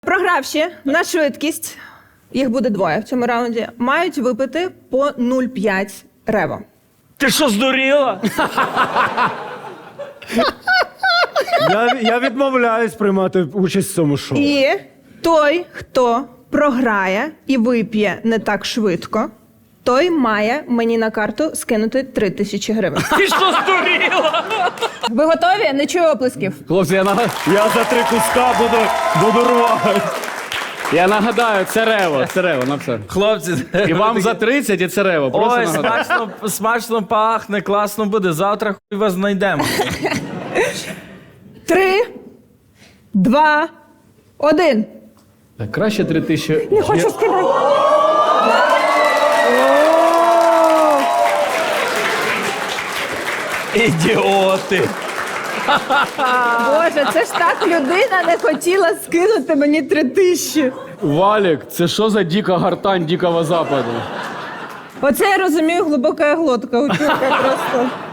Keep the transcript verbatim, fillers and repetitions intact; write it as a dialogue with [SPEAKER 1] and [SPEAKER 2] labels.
[SPEAKER 1] Програвші на швидкість, їх буде двоє в цьому раунді, мають випити по нуль цілих п'ять рево.
[SPEAKER 2] Ти що, здуріла?
[SPEAKER 3] Я, я відмовляюсь приймати участь в цьому шоу.
[SPEAKER 1] І той, хто програє і вип'є не так швидко, той має мені на карту скинути три тисячі гривень.
[SPEAKER 2] Ти що, здуріла?
[SPEAKER 1] Ви готові? Не чую оплесків.
[SPEAKER 4] Хлопці, я, нагад...
[SPEAKER 3] Я за три куска буду, буду рвати.
[SPEAKER 4] я нагадаю, це рево, це рево, на все.
[SPEAKER 2] Хлопці,
[SPEAKER 4] І вам за тридцять, і це рево. Просто
[SPEAKER 2] ой,
[SPEAKER 4] нагадаю.
[SPEAKER 2] смачно, смачно пахне, класно буде. Завтра хуй вас знайдемо.
[SPEAKER 1] Три, два, один.
[SPEAKER 4] Так, краще три тисячі.
[SPEAKER 1] Не хочу скидати.
[SPEAKER 2] Ідіоти.
[SPEAKER 1] Боже, це ж так людина не хотіла скинути мені три тисячі.
[SPEAKER 4] Валік, це що за дика гортань Дикого Западу?
[SPEAKER 1] Оце я розумію глибока глотка у чувака просто.